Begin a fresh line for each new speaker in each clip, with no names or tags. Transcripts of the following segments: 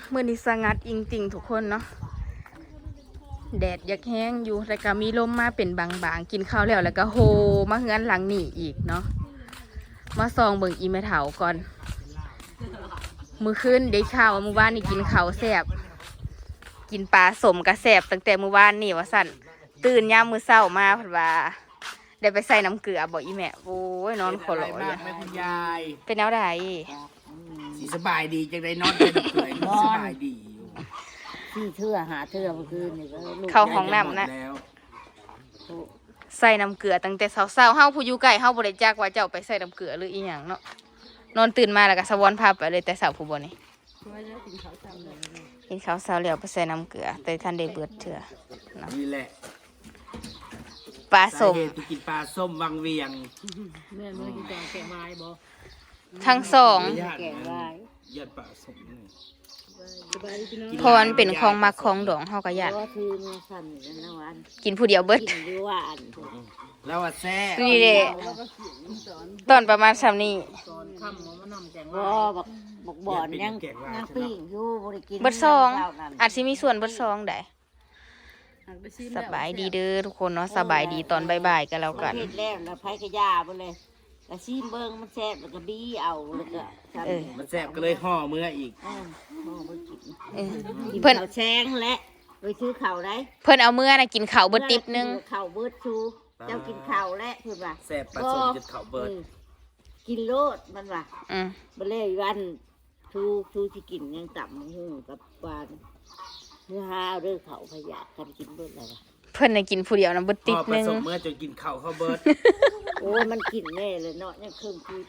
มื้อนี้สงัดอิงติ่งทุกคนเนาะแดดอยากแห้งอยู่แต่ก็มีลมมาเป็นบางๆกินข้าวแล้วก็โฮมาเฮือนหลังนี่อีกเนาะมาซองเบิ่งอีแม่เฒ่าก่อนมื้อคืนได้ข่าวว่ามื้อวานนี่กินข้าวแซ่บกินปลาสมกระแซ่บตั้งแต่มื้อวานนี่ว่าสั่นตื่นยามมื้อเช้ามาเพิ่นว่าได้ไปใส่น้ำเกลือบ่อีแม่โอ้ยนอนขอร้อย
มากแม่คุณยาย
เป็นแนวใด
สีสบายดีจังได้นอนเป็นเกยสบายดีอยู่
ที่เชื่อหาเชื่อเมื่อคืนนี่ก็ลูก
เข้าห้องน้ำนะใส่น้ำเกลือตั้งแต่เช้าๆเฮาผู้อยู่ใกล้เฮาบ่ได้จักว่าเจ้าไปใส่น้ำเกลือหรืออีหยังเนาะนอนตื่นมาแล้วก็สะวอนพาไปเลยแต่เช้าผู้บ่นี่กินข้าวเช้าแล้วไปใส่น้ำเกลือแต่ท่านได้เบิดเถื่อเนาะ
นี่แหละ
ปลาสม
สาเหตุที่กินปลาส้มวังเวียง
แม่เมื่อกี้แกงไม้บ่
ทั้งสอง
ญาติ
แกงไม้
ญาติปลาส้มนี่
เพราะมันเป็นของมักของดองเฮาก็อยาก
ก็คือเมื่อสั่นกันนะวัน
กินผู้เดียวเบิด
กินด้วยว่าอัน
แล้วว่าแซ่
นี่เด้ตอนประมาณซ้ำนี้
บ่บอกบ่อนยังปิ้งอยู่บ่ได้กิน
เบิดซองอาจสิมีส่วนเบิดซองได้สบายดีเด้อทุกคนเนาะสบายดีตอนบ่ายๆกันแล้วกัน
เฮ็ดแล้วแล้วไผกระยาบ่เลยกระซีมเบิ่งมันแซ่บแล้วก็บี้เอาแล้วก็สั่น
มันแซ่บก็เลยห่อเมื่ออีก
บ่บ่กิน
เออ
กิน
เพิ่น
ข้าวแซงและไปซื้อข้าวได้
เพิ่นเอาเมื่อน่ะกินข้าวเบิดติ๊บนึง
ข้าวเบิดชูเจ้ากินข้าวและเพิ่นว่า
แซ่บปลาส้มจะเขาเบิด
กินโลดมันว่า
อืม
บ่เลยวันชูสิกินยังต่ำหูกับหวานเนื้อหาเด้อเขาพยากันกินเบิดแล้วว่ะ
เพิ่นน่ะกินผู้เดียวน่ะเบิด
ห่
ติ๊
อบ ปลา
นึง
ส้มเมื่อจนกินข้าวเขาเบิด
โอ้มันกินแน่เลยเนาะยังเครื่องคือ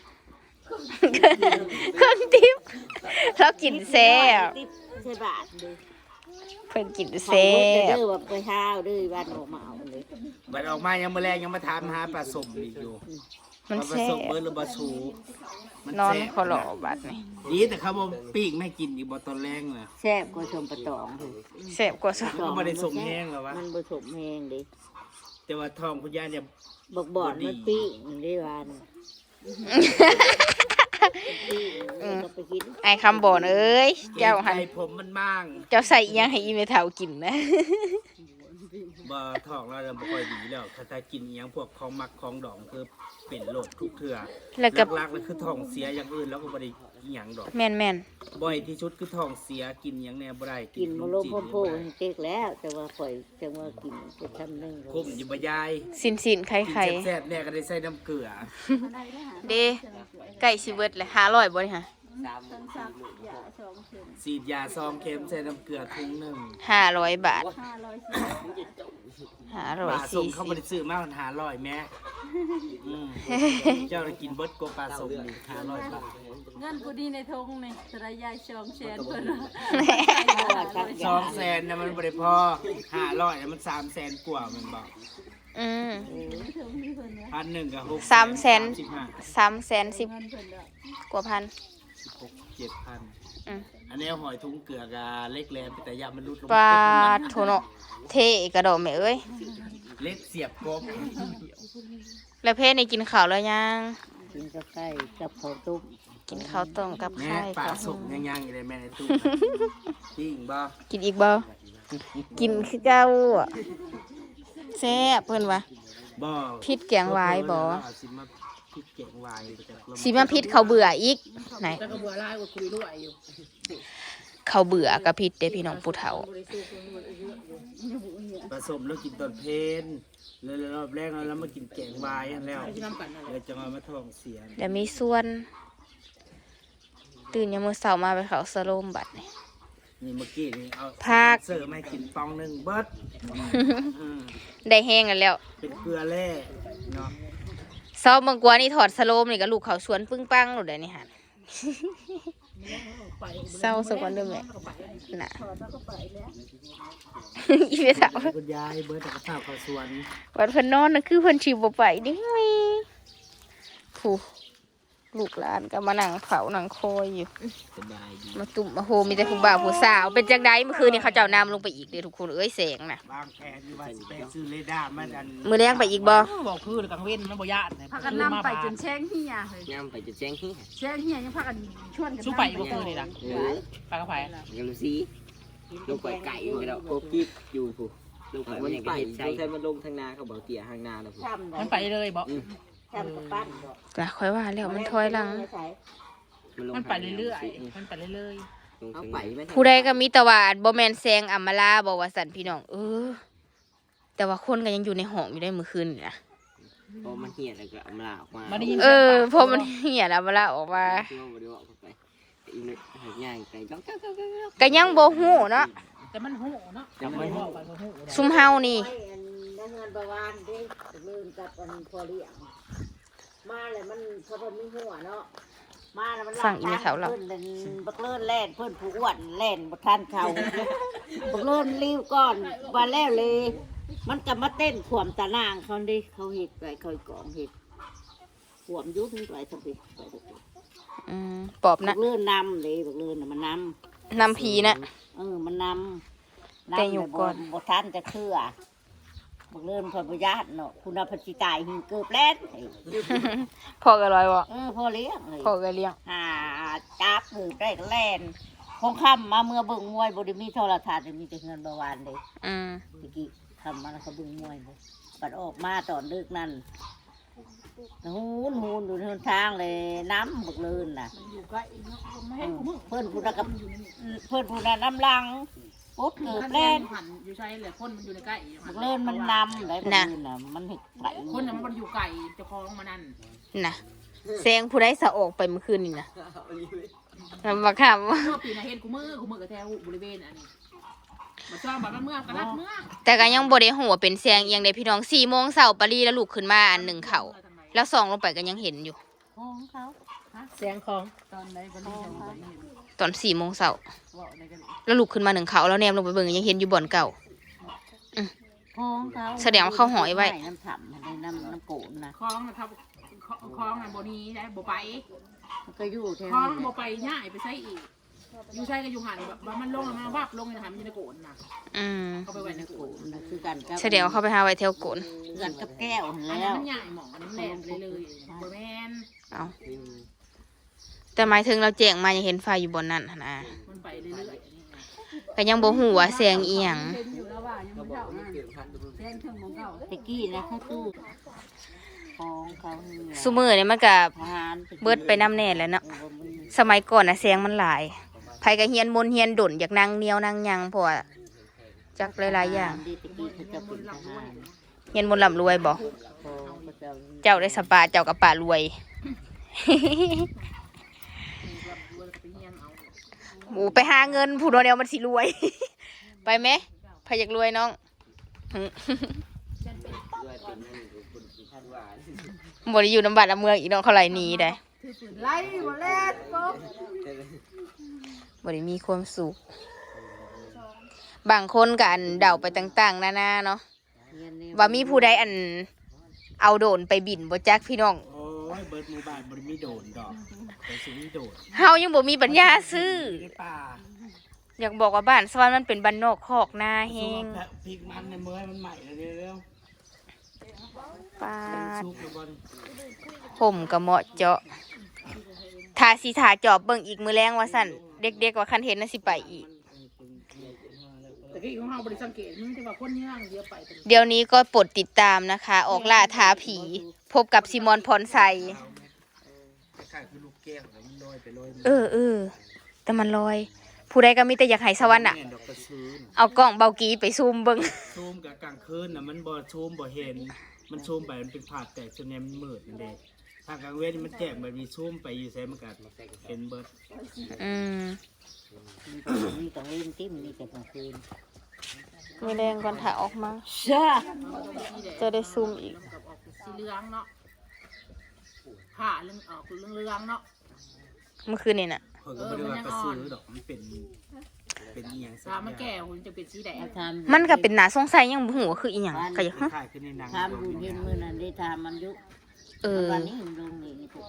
เครื่องติ๊บแล้วกินแซ่บ
ติ๊บใช่บาทเลย
เพิ่นกิน
เขา
แซ่
เบิด
บ
เด้อว่าไปหาเด้อวันออกมาเอาเลย
บัดออกมายังมาแรงยังมาถามหาปลาส้มอีกอยู่
มัน
ว่าปลา
แซ่
ส้ม
บ
เบิดหรือปลาสูมัน
นอน
แซ่บ
ขอหล่อบัดนี่
ดีแต่เขาบอกปิ้งไม่กินอีกบ่ตอนแรงน่ะ
แซ่บกว่าชมปลาตองเลย
แซ่บกว่าซะ
มันก็บ่ได้ส่งแห้งหรอวะ
มันผสมแห้งเดิ
แต่ว่าทองคุณย่าเนี่ย
บอกบอดมันปิ้งได้วันก็ไปกิน
ไอ้คำบ่นเอ้ยเจ้าหัน
ใจผมมันมั่ง
เจ้าใส่อีหยังให้อีเมเฒ่ากินนะ
บ่ทองเราจะบ่ค่อยดีแล้วถ้ากินอหยังพวกของมักของดองคือเป็นโรคทุกเทื่อ
แล้วก็
หลักๆเลยคือท้องเสียอย่างอื่นแล้วก็บ่ได้อีหยังดอก
แม่น
บ่อยที่สุดคือท้องเสียกินหยังแน่บ่ได้
กิน
ข
มะ
ม
โล
จีน
พ่อโพให้เจ๊กแล้ว แต่ว่าข่อยจังว่ากินจะทำนึง
คุ้มอยู่บ่ยาย
ๆสินๆไข่
กินแซ่บๆแน่ก็ได้ใส่น้ำเกลือ
ๆเด้ไก่สิเบิดเลย500บ่นี่ฮะ
ฉีดยาซองเข็มใส่น้ำเกลือถุงหนึง
500 บาท
ปลาส้มเขาบ่
540
ได้ซื้อมามัน500แม่อืมเจ้าได้กินเบิดกว่าปลาส้มนี่500บาท
เงินกูดีในทงนี่สระยายชองแชนเพิ่นว่า
200,000น่ะมันบ่ได้พอ500น่ะมัน300,000กว่าแม่นบ่
อืม
1,000ก็6
300,000 310,000 กว่าพัน
7,000
อืม
อันนี้หอยทุงเกลือกะเล็กแหลมแต่ยามันรุดลง
ปลาโทเนาะเทกระโดดแม่เอ้ย
เล็กเสียบกบ
แล้วเพศนี่กินข้าวแล้วยัง
กินกับไก่กับข้าวต้ม
กินข้าวต้มกับ
แม่
ไข่
ปลา
กับ
สุกย่างๆอยู่ในแม่ในตู้จริงบ่
กินอีกบ่กินคือเจ้าอะแซ่บเพิ่นว่า
บ่
พิษแกงวายบ่
สิมาพิษแกงวายจากลม
สิมาพิษเขาเบื่ออีกไหน
แล้วก็บัวลายก็คุยด้วยอยู่
เขาเบื่อกับพิษเด้พี่น้องผู้เฒ่า
ผสมแล้วกินตอนเพลนแล้วรอบแรกแล้วมากินแกงวายอันแล้วแล้วจะมาท้องเสีย
เดี๋ยวมีส่วน ตื่นยามมื้อเช้ามาไปเขาสโลมบัดนี่
นี่เมื่อกี้นี่เอา
ภาค
เสิร์ฟมาให้กินปองหนึงเบิดอืม
ได้แห้งกันแล้ว
เป็นเกลือแร่เนาะ
เช้าบางกว่านี่ถอดสโลมนี่ก็ลูกเขาสวนปึ้งปังโลดได้นี่หั่น เศร้าสักวันเด้อแม่น่ะ อีเวสาว
คุณยายเบิดแต่กระเพราข้าวสวน
วันเพิ่นนอนน่ะคือเพิ่นสิบ่ไปเด้ผู้ลูกหลานก็มานั่งเผานั่งคอยอยู่
สบายดี
มาตุ่มมาโฮมีแต่ผู้บ่าวผู้สาวเป็นจังไดเมื่อคืนนี้เขาเจ้านำลงไปอีกเด้อทุกคนเอ้ยแสงน่ะ
บางแผนอยู่ว่าสิไปซื้อเรดาร์มาอัน
มือแรงไปอีกบ่
บอกคือกังเว้นมันบ่ยาน
พากันนำไปจนแช่งเฮียเลย
ย่ำไปจะแจ้งที่
แช่งเฮียยังพากันชวนกัน
สู้ไปบ่คือนี่ล่ะ
ไปก็ไปยังรู้สิลงไปไก่อยู่แล้วโคกิอยู่ผู้ลงไปมันยังไปใช่ใช่มันลงทางนาเขาบอกเตี่ยทางนาแล้วผู้
มันไปเลยบ่
จำกับปั้นบ่
จ้ะค่อยว่าแล้วมันถอยหลัง
มันไปเรื่อยๆมันไปเรื่อย
เอาไปไหม
ผู้ใดก็มีแต่ว่าบ่แม่นแซงอำมาลาบอกว่าสันพี่น้องแต่ว่าคนก็ยังอยู่ในห้องอยู่ได้มื้อคืนนี่นะ
พอมันเหี่ยแล้วก็เอามาออกมา
ๆมาได้ยิน
เพราะมันเหี้ยแล้วอำมาลาออกมา
ที่ว่าบ่ได้ออกไปอีนึกย่างไก่จ้อง
ก็ยังบ่ฮู้เนาะ
แต่มันหูเนาะ
ยังไม่
บอกกันหู
ซุมเฮานี่
ไอ้อันได้เงินประวานได้ลืมกับอันพอเลี้ยงมาเลยมันเพราะมันมีหัวเนาะมาแล้วมัน
ฟังอีเมลเขาเรา
เพิ่นเป็นบักเลิ่นแล่นเพิ่นผู้อ้วนแล่นบ่ทันเขาบักเลิ่นรีวก่อนว่าแล้วเลย มันก็มาเต้นขวมตะนางเขาดิเขาเฮ็ดไว้เขากองเฮ็ดขวมยุบนี่ไว้ทำไม
ปอบ
บั
นะ
กเลิ่นนำเลยบักเลิ่นน่ะมันน
นำผีนะ
ำมันนำ
แต่อยู่ก่อน
บ่ทันจะเคลื่อบักเลิ่นพอบ่ญาติเนาะคุณเอาพจิตายหิงเกือบแล่น
พ่อก็ลอยบ่
พ่อเลี้ยงเลย
พ่อก็เลี้ยง
หาจับหือได้ก็แล่นคงค่ำมาเมื่อเบิ่งมวยบ่ได้มีโทรทัศน์มีแต่เงินประวานเลย ตะกี้ทำมาแล้วเขาเบิ่งมวยเลยบัดออกมาตอนดึกนั่นหูนดูทางทางเลยน้ำบักเลินน่ะ
อยู่ใกล้เนาะไม่ให้กูมึง
เพื่อนผู้นั้นกับเพื่อนผู้นั้นน้ำลังปุ๊บเกือบแล่น
หันอยู่ใช่แหละคนมันอยู่ในใกล้
บักเลินมันนำไหนบักเลินน่ะมันเห็ดไหล
คนน่ะมันอยู่ไกลเจ้าของมานั่น
นะแซงผู้ใดสะออกไปเมื่อคืนนี่นะบักคำ
เมื่อปีน่ะเห็นกูมือกับแถวบริเวณอันนี้มาชอบแบบเมื่อกระดัดเมื่อ
แต่ก็ยังบ่ได้หัวาเป็นแซงเอียงได้พี่น้อง4 โมงเช้าปารีแล้วลูกขึ้นมาอันหนึ่งเขาแล้วส่องลงไปก็ยังเห็นอยู่
ของเขา
เสียงของตอนไหนบริเวณไหน
ตอน4 โมงเช้า
ว่าในกัน
แล้วลูกขึ้นมาหนึ่งเขาแล้วแนมลงไปเบิ่งยังเห็นอยู่บ่อนเก่า
ของเขา
แสดงว่าเขาหอยไว้
น้ำถ่ำในน้ำโกนนะ
คล้องนะครับคล้องน่ะบ่นี้ได้บ่ไป
มันก็อยู่แถว
คล้อง
นี้
บ่ไปง่ายไปใช้อีกอยู่ใช้ก็อยู่หันแบบมันลงแล้วมันวับลงในหันมันอยู่ในโกนน่ะเขาไปไว้ในโก
โก
น
นนะคือกันกับ
แสดงว่าเขาไปหาไว้แถวโกน
คือกันกับแก้วหั่น
อัน
แล้
นั้น
ว
มันใหญ่หมองอันนั้นแหลมเลยบ่แม่น
เอาแต่หมายถึงเราแจ้งมายังเห็นไฟอยู่บนนั้นหั่นนะ
มันไปเรื่อยๆอันนี้
ก็ยังบ่ฮู้ว่าแซงอีหยัง
อยู่แล้วว่ายังไม่เท่านั้นแซงเครื่องของเขา
ตะกี้นะเขาตู้ของเขาเนี่ย
ซุมื้อนี่มันก็
ทหาร
เบิดไปน้ำแน่แหล้วเนาะ
เออมัน
สมัยก่อนน่ะแซงมันหลายไผก็เฮียนมนต์เฮียนดนอยากนั่งเหนียวนั่งหยังเพราะว่าจักหลายๆอย่าง
ดีตะกี้เขาจะเป็นทหาร
เฮียนมนต์ร่ำรวยบ่
ของเขาจะ
เจ้าได้สปาเจ้ากับป่ารวย หมูไปหาเงินผู้เดียวมันสิรวย ไปไหมพายอยากรวยน้อง
ด้วยเป็นนั่นคนท่านว่า
บ่ได้อยู่น้ำบัดน้ำเมืองอีน้องเขาไหลหนีได้
ไล่บ่แล่นปุ๊บ
บ่ได้มีความสุขบางคนก็อันเดาไปต่างๆนานาเนาะว่ามีผู้ใดอันเอาโดรนไปบินบ่จักพี่น้อง
โอ้ยเบิร์ดหมู่บ้านบ่ได้มีโดนดอกแต่สิมีโดน
เฮายังบ่มีปัญญาซื้อ
ในป่า
อยากบอกว่าบ้านสวรรค์มันเป็นบ้านนอกคอกนาแฮง
พริกมันในเมื่อมันใหม่แล้วเร็ว
ปา
ๆ
ด
ซุกแล้วบอล
ผมก็เหมาะเจาะถ้าสิถาจอบเบิ่งอีกมื้อแรงว่าสั่นเด็กๆว่าคันเห็นน่ะสิไปอีก
แต่ที่ของเราบริสังเกตมึงที่ว่าคนย่างเยอะไป
เดี๋ยวนี้ก็โปรดติดตามนะคะ ออกล่าท้าผี พบกับซิมอนพรไซ
คล้ายๆคือลูกแก้วแล้วมันลอยไปลอยมา
เออแต่มันลอย ผู้ใดก็มีแต่อยากให้สวรรค์อ่ะ
แม่นดอกกระซื้อ
เอากล้องเบากีไปซูมเบิ่ง
ซูมกับกลางคืนน่ะมันบ่ซูมบ่เห็น มันซูมไปมันเป็นผาดแตกจนแนมันมืดนั่นเองถ้ากลางเว้นมันแจ้งแบบมีซูมไปอยู่ไสมันก็เห็นเบิด
อืม
มีกลางเล่นติ้มมีแต่กลางคืน
มีแรงก่อนถ่ายออกมา
จ้า
จะได้ซูมอีก
กับออกสีเหลืองเนาะผ้าเรื่องออกเรื่องเหลืองเนาะ
เมื่อคืนนี่น่ะ
เพิ่นก็บ่ได้ว่ากระซื้อดอกมันเป็นอีหยังสั
ถ้ามันแก่หุ่นจะเป็นสีแดง
ทำ
มันก็เป็นหนาสงสัยยังบ่ฮู้ว่าคืออีหยังก็อยาก
คล้ายๆคือในหนัง
ทำบุญเห็นมือนั้นได้ทำมันยุ
เออ
วันนี้ลงนี่พวกคุณ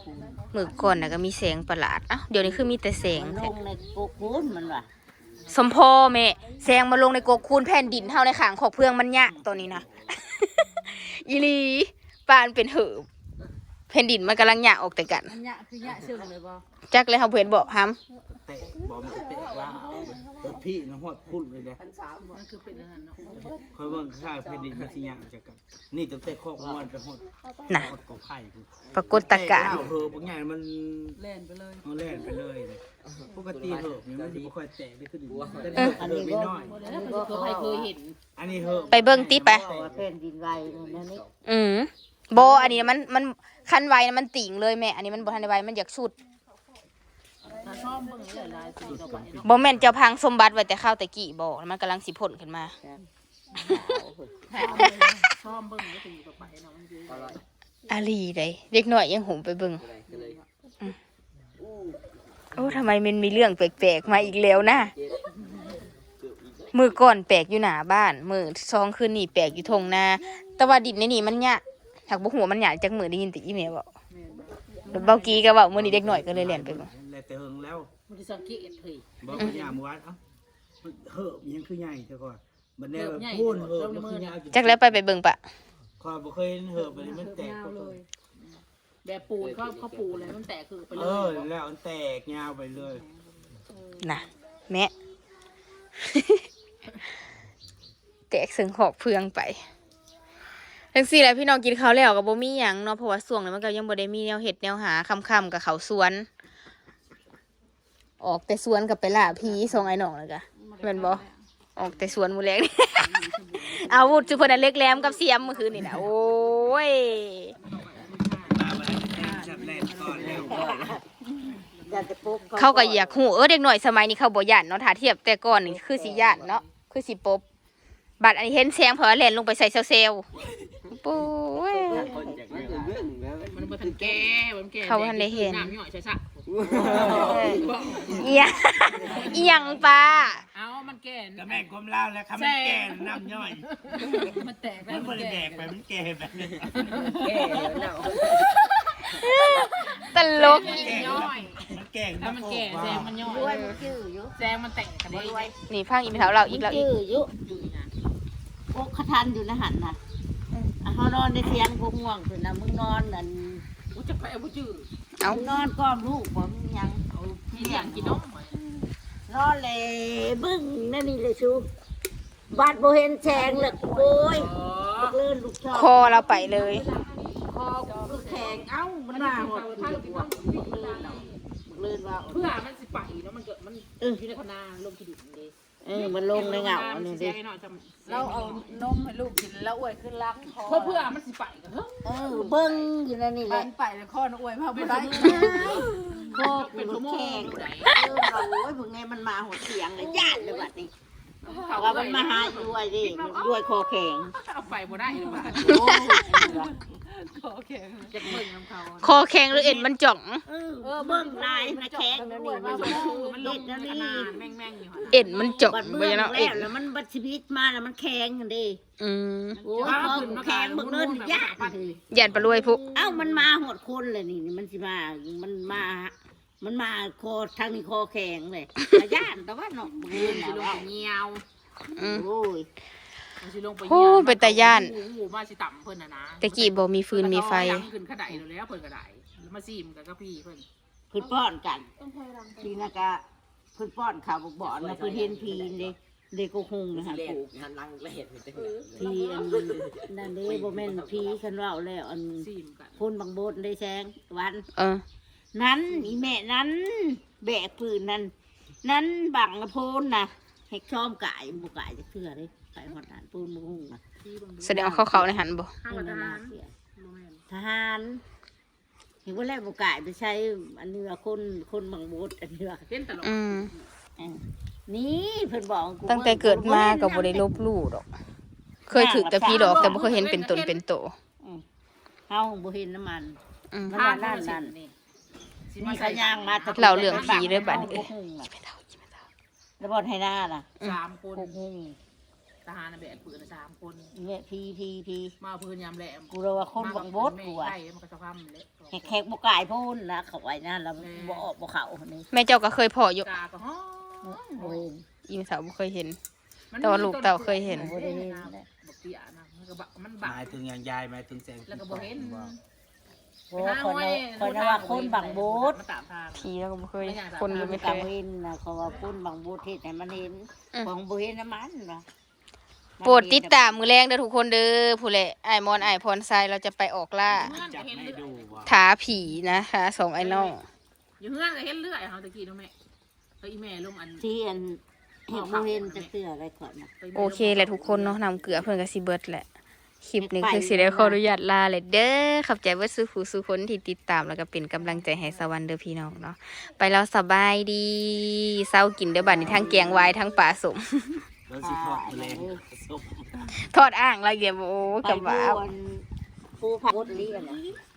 มื้อก่อนน่ะก็มีแสงประหลาดเอ้าเดี๋ยวนี้คือมีแต่แสง
มันล
แท้
งในโกกูนมันว่ะ
สมพอแม่แซงมาลงในกกคูนแผ่นดินเท่าในขางขอกเพื่องมันยากตัวนี้นะ อีหลีปานเป็นเหือบแผ่นดินมันกำลังยากออกแต่กัน
อันยะคือยะเชิงเลยบ่
จักเลยเขาเพื่อนบอกฮัม
เตะบอมเตะล่าพี่นะฮอดพุ่นเลยนะ
มันคือเป็นอาหารเนาะ
คอยเบิ่งข้าวเพดินมันสิย่างจากกันนี่ตั้งแต่คอกม้วนไปฮอด
น่ะ
ฮอดกอไผ่พุ่น
ปรากฏการณ์
เตะเหอะบางอย่างมัน
แล่นไปเลย
เอาแล่นไปเลยนะปกติเหอะนี่มันสิบ่ค่อยแตกได้ขึ้นแต่
อัน
เห
นี้
อะ
ก็
น้อย
แล้วมันเคยเห็น
อันนี้เหอะ
ไปเบิ่งติไป
บอกว่าแผ่นดินไหวนั่นนี่
โบอันนี้มันคันไวนะมันติ่งเลยแม่ อันนี้มันบ่ทันได้ไวมันอยากสุด
ถ้าชอบเบิ่งหลายๆสีต่อไปเนาะ
บ่แม่นเจ้าพังสมบัติไว้แต่ข้าวแต่กี้บ่มันกำลังสิพ่นขึ้นมา
ชอบเบิ่งก็สีต่อไปเนาะมันคือ
อร่อย
อาลีได้เด็กน้อยยังหุมไปเบิ่ง
ก็เลย
โอ้ทำไมมันมีเรื่องแปลกๆมาอีกแล้วนะมือก่อนแปลกอยู่หน้าบ้านมือซองคืนนี่แปลกอยู่ทงนาแต่ว่าดินในนี่มันยะหักบ่หัวมันหยาจากมือได้ยินแต่อีเมลบอกแล้วเบากี้ก็เว้ามื้อนี้เด็กน้อยก็เลยเล่นไปบ่
แล้วแต่เฮิงแล้ว
มันจะสังเกตเฮ้ย
บอกว่าย่าเมื่อวานเอ้ามันเหอะมันยังคือใหญ่แต่ก่อนบัดนี้แบบพูนเหอะมันคือใหญ่
จักแล้วไปเบิ่งปะ
ข้อยบ่เคยเห็นเหอะบัดนี้มันแตก
ยาวเลย แบบปูนเขาปูเลยมันแตกคือไปเล
เอย อแล้วมันแตกยาวไปเลย
น่ะแม่ แตกซึ่งหอกเพืองไปจังซี่แหละพี่น้องกินข้าวแล้วก็บ่มีหยังเนาะเพราะว่าช่วงนี้มันก็ยังบ่ได้มีแนวเฮ็ดแนวหาค่ำๆกับเขาสวน ออกแต่สวนกับไปล่าผีส่งไอ้น้องแล้วก็แม่นบ่ ออกแต่สวนหมูแรง อาวุธจุพนันเล็กแหลมกับเสียมเมื่อคืนนี่นะโอ้ย
มาบัดนี้จับแรกก่อนแล้ว
อยากจะปุ๊บ
เขาก็อยากหูเด็กหน่อยสมัยนี้เขาบ่ย่านเนาะถ้าเทียบแต่ก่อนนี่คือสิย่านเนาะคือสิปบบัดอันนี้เห็นแสงเพอแล่นลงไปใส่เซลล์ปุ้ย
คนจากเรื่องแล้ว
มันบ่ทันแก่มันแก่
เขาทันได้เห็น
น้ำย่อยใช่ซะ
เอียเอียงปลา
เอามันแก่
ก็แม่งความเล่าแล้วครับมันแก่น้ำย่อย
มันแตกแล้
มั
วน
บ่ได้แดกไปมันแก่แบบนี้
แก่แล้ว
ตลก
ย่อย
มันแก่
ถ้ามันแก่แซงมันย่อย
ด้วยมันจื้ออยู่
แซงมันแตกกันได้
นี่พังอีเมลเราอีกแล้วอีก
จื้ออยู่
อยู่นะ
พวกขทันอยู่ในหันน่ะเขานอนในเตียงพวกง่วงคือนะมึงนอนนั่น
กูจะไปเอาบ่จื้อ
เอา
มึงนอนก้อมลูกบ่มึงยัง
เอาที่อยากกินนม
นอนเลยบึ้งนั่นนี่เลยชูบาดโบเห็นแสงเลยโอ้ยเลื่อนลูกชอบ
คอเราไปเลย
คอกูแข็งเอ้ามันมาหมดเลยบวกเลื่อนว่า
เพื่อมันสิไปเนาะมันเกิดมันอยู่ในคณะลงที่ดินเลย
มันลงในเหงาอันนี้ดิ
เราเอานมให้ลูกกินแล้วอวยขึ้นลักคอ
เพื่อมันสิไปกันเฮ้ย
เบิ้งอยู่นั่นนี่แห
มั
ละ
นไปแล้วคออวยพาบ่ได้
คอกูแข็งโอ้ยพวกไงมันมาหัวเสียงเลยญาติเลยบัดนี้ว่ามันมาหาด้วยดิด้วยคอแข็ง
เอาไปบ่ได้หรือว่า
โอ้ย
คอแข็ง
จะเบิ่งน้ำเขา
คอแข็งหรือเอ็นมันจ่อง
เบิ้งลายนะแข็งนั่นนี่มัน
มันล
เล็
ง
ดนั่น
ในค
นี่
ณะแม่งๆอยู่
เอ็นมันจ่อง
บัด
ไป
เบิ้ง
เนาะ
แล้
เอ็น
วแล้วมันบัดชีวิตมาแล้วมันแข็งกันดิ
อืม
โอ้ยคอกูแข็งบักเนินญาติ
ยันปลารวยพุก
เอ้ามันมาหดคนเลยนี่มันสิมามันมาคอทางนี้คอแข็งเลยญาติแต่ว่าเนาะเบิ้ง
สิลง
แล้ว
ไปเงียว
อืม
โอ้ย
สิลงไป
โอ้เป็นตาย่าน
หมูมาสิต่ำเพิ่นน่ะนะ
ตะกี้บ่มีฟืนมีไฟ
ขึ้นขะไดแล้วเพิ่นกระไดมาซีมกันก็พี่เพิ่น
เพิ่นป้อนกันทีนักะเพิ่นป้อนข่าวบอกบ่อนนะเพิ่นเห็นพีนี่เด็กก็คงนะฮะ
เล่น
ปลูก
หันหลังเล่นมันจะ
พีอันนั่นเด้บ่แม่นพีคันเว้าแล้วอัน
ซีมกัน
คนบางโบดได้แสงวัน
เออ
นั้นอีแม่นั้นแบกปืนนั้นนั้นบังละโพนนะให้ชอมกายบ่กายจะเชื่อเด้กายฮอดานปูนบ่ฮู้น่ะ
แสดงว่าเขาในหันบ่
ข้าวทหาร
ทหารเห็นว่าแล้วบ่กายไปใช้อันนี้ว่าคนบางโบดอันนี้ว่า
เป็นตลก
อืม
นี่เพิ่นบอกกู
ตั้งแต่เกิดมาก็บ่ได้ลบหลู่ดอก เคยถึกแต่พี่ดอกแต่บ่เคยเห็นเป็นตนเป็นโต
เฮาบ่เห็นน้ำมัน
อืม
มันว่านั่นนี่นี่เขาย่างมาแต่
เล่าเรื่องผีเด้อบัดนี้เอ้ย
แล้วบ่ให้หน้าล่ะ
3 คน
พวกหุ่ง
ทหารน่ะแบกปืน3 คน
แม่พี
มาเอาปืนยามแหลม
กูเลยว่าคนบังบดกูอ่ะ
ใช่มันก็จะความเละ
แขกบ่กายพูนนะเขาไว้นั่นแล้วบ่ออกบ่เข้านี่
แม่เจ้าก็เคยเพาะอยู่
กาก็ฮ้อ
โอ้ย
อีมสาวบ่เคยเห็น แต่ว่าลูกเต่าเคยเห็น
บ่ได้เห็น
บักเตี้ยนะมันก็มัน
ห
บัก
มายถึงอย่างยายหมายถึงแสง
แล้วก็บ่เห็น
โอ้คนว่าคนบังบด
มันตามทาง
ผีแล้วก็บ่เคยคนก็ไม่เค
กัง
ย
เว้นนะเขาว่าพูนบังบดเฮ็ดให้มันเห็นของบ่เห็นน้ำมันนะ
โปรดติดตามมือแรงเด้อทุกคนเด้อผู้แหละไอ้ายมอนไอ้ายพรไซเราจะไปออกล่า
จับให้ดูว่า
ท้าผีนะคะสองไอ้น้อง
อยู่เฮือนก็เห็นเรื่อยเฮาตะกี้น้องแม่เฮ้ยแม่ลงอัน
ที่อันเห็นบ่เห็นจะเสื้ออะไรก่อนนะ
โอเคแหละทุกคนเนาะนำเกลือเพื่อนกับซีเบิร์ดแหละคลิปนี้คือสิได้ขออนุญาตลาเลยเด้อขอบใจว่าสู้ผู้สู้คนที่ติดตามแล้วก็เป็นกำลังใจให้สวรรค์เด้อพี่น้องเนาะไปแล้วสบายดีเศร้ากินเด้อบัดนี้ทั้งแกงวายทั้งปลาสม
แล้วสิทอดแรงส้ม
ทอดอ่างละเอียดโอ้กับว่า
ผู้พักบดลีกันนะ